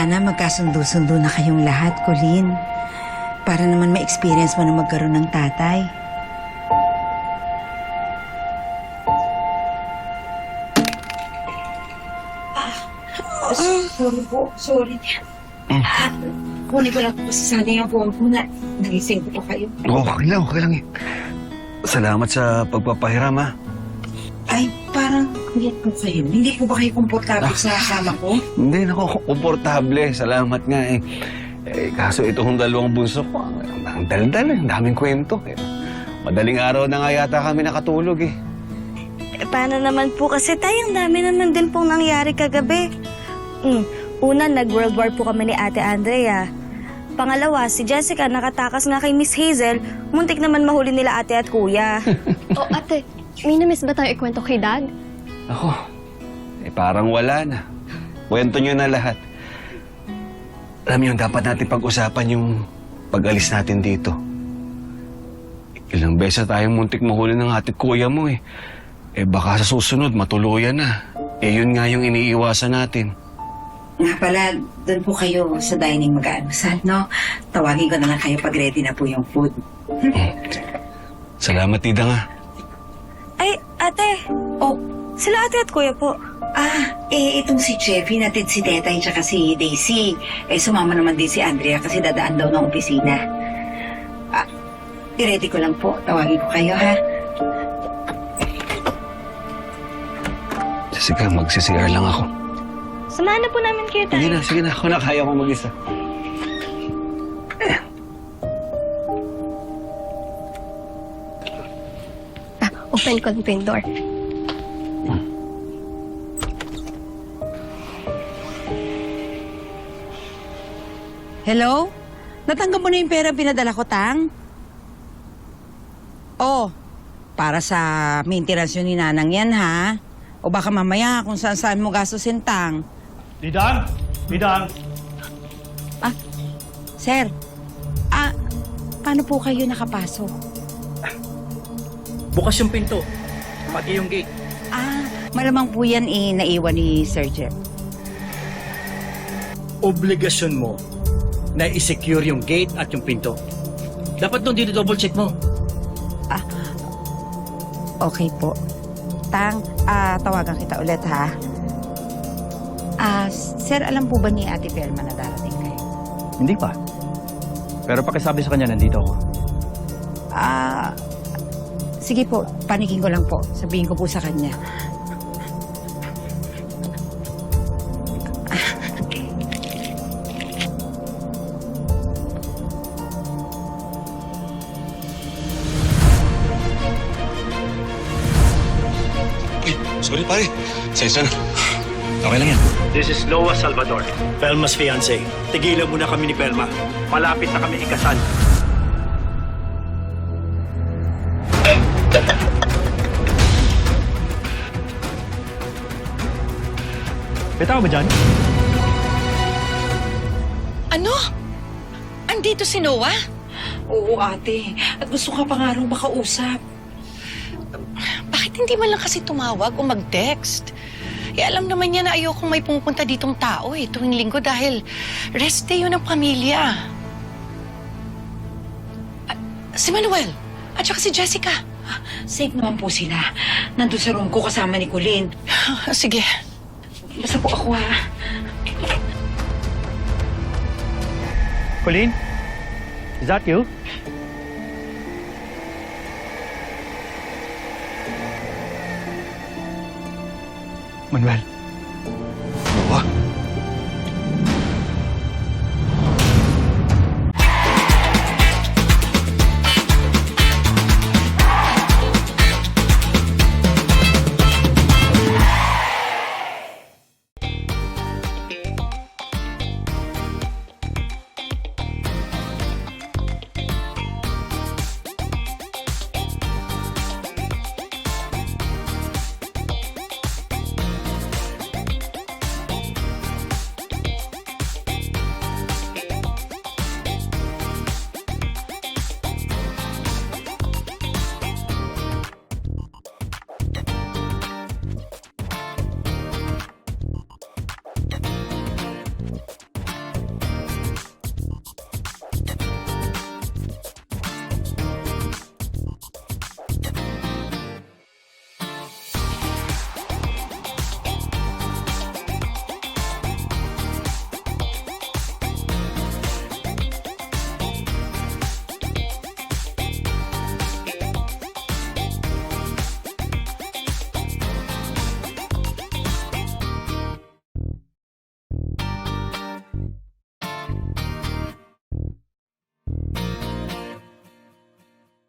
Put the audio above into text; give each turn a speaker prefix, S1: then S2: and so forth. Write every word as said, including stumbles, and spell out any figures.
S1: Sana magkasundo-sundo na kayong lahat, Colleen. Para naman ma-experience mo na magkaroon ng tatay.
S2: Sorry po, sorry. Ah, kunin ko lang po kasi sana yung phone ko na nagising ko po kayo.
S3: Oh, okay lang, okay lang eh. Salamat sa pagpapahiram, ha?
S2: Ay, parang kulit po kayo. Hindi po ba kayo komportable sa kasama ko?
S3: Hindi, nako, komportable. Salamat nga eh. Eh, kaso itong dalawang bunso ko, ang, ang daldal eh. Ang daming kwento. Eh. Madaling araw na nga yata kami nakatulog eh.
S4: Eh, paano naman po kasi tayo, ang dami naman din pong nangyari kagabi. Mm. Una, nag-World War po kami ni Ate Andrea. Pangalawa, si Jessica nakatakas nga kay Miss Hazel. Muntik naman mahuli nila ate at kuya.
S5: O ate, may na-miss ba tayo ikwento kay Dad?
S3: Ako, eh parang wala na. Kwento nyo na lahat. Alam niyo, dapat natin pag-usapan yung pag-alis natin dito. Ilang beses tayong muntik mahuli ng ate at kuya mo eh. Eh baka sa susunod matuluyan na. Eh yun nga yung iniiwasan natin.
S2: Nga pala, doon po kayo sa dining mag-aanusal, no? Tawagin ko na lang kayo pag ready na po yung food.
S3: Salamat, Tida nga.
S4: Ay, ate.
S2: Oh,
S4: Sila ate at kuya po.
S2: ah, eh, itong si Jeffy, natin si Tetay, tsaka si Daisy. Eh, sumama naman din si Andrea kasi dadaan daw ng opisina. Ah, i-ready ko lang po. Tawagin ko kayo, ha?
S3: Jessica, mag-C R lang ako.
S4: Samahan na po namin kayo tayo.
S3: Sige na, sige na. Ako na, kaya ko mag-isa.
S5: Ah, open ko lang po yung door.
S1: Hello? Natanggap mo na yung pera pinadala ko, Tang? Oh, para sa maintenance yun ni Nanang yan, ha? O baka mamaya kung saan-saan mo gastusin, Tang.
S6: Didang! Didang!
S1: Ah, sir. Ah, paano po kayo nakapasok?
S6: Bukas yung pinto. Pati yung gate.
S1: Ah, malamang po yan eh, naiwan ni Sir Jeff.
S6: Obligasyon mo na i-secure yung gate at yung pinto. Dapat doon dito double check mo.
S1: Okay po. Tang, ah, tawagan kita ulit, ha? Ah, sir, alam po ba ni Ate Felma na darating kayo?
S7: Hindi pa. Pero pakisabi sa kanya, nandito ako.
S1: Ah, sige po, panikin ko lang po. Sabihin ko po sa kanya.
S3: Sorry, pare. Sensya na.
S7: Okay lang yan.
S6: This is Noah Salvador, Pelma's fiancé. Tigilan muna kami ni Pelma. Malapit na kami ikasal.
S7: May tao ba dyan?
S8: Ano? Andito si Noah?
S2: Oo, ate. At gusto ka pa nga rin makausap.
S8: Bakit hindi man lang kasi tumawag o mag-text? Eh, alam naman niya na ayokong may pumupunta ditong tao eh, tuwing linggo dahil rest day yun ng pamilya. Ah, si Manuel at saka si Jessica.
S2: Safe naman po sila. Nandun sa room ko kasama ni Colleen.
S8: Sige.
S2: Basta po ako, ha?
S7: Colleen? Is that you? Manuel.
S3: Noah?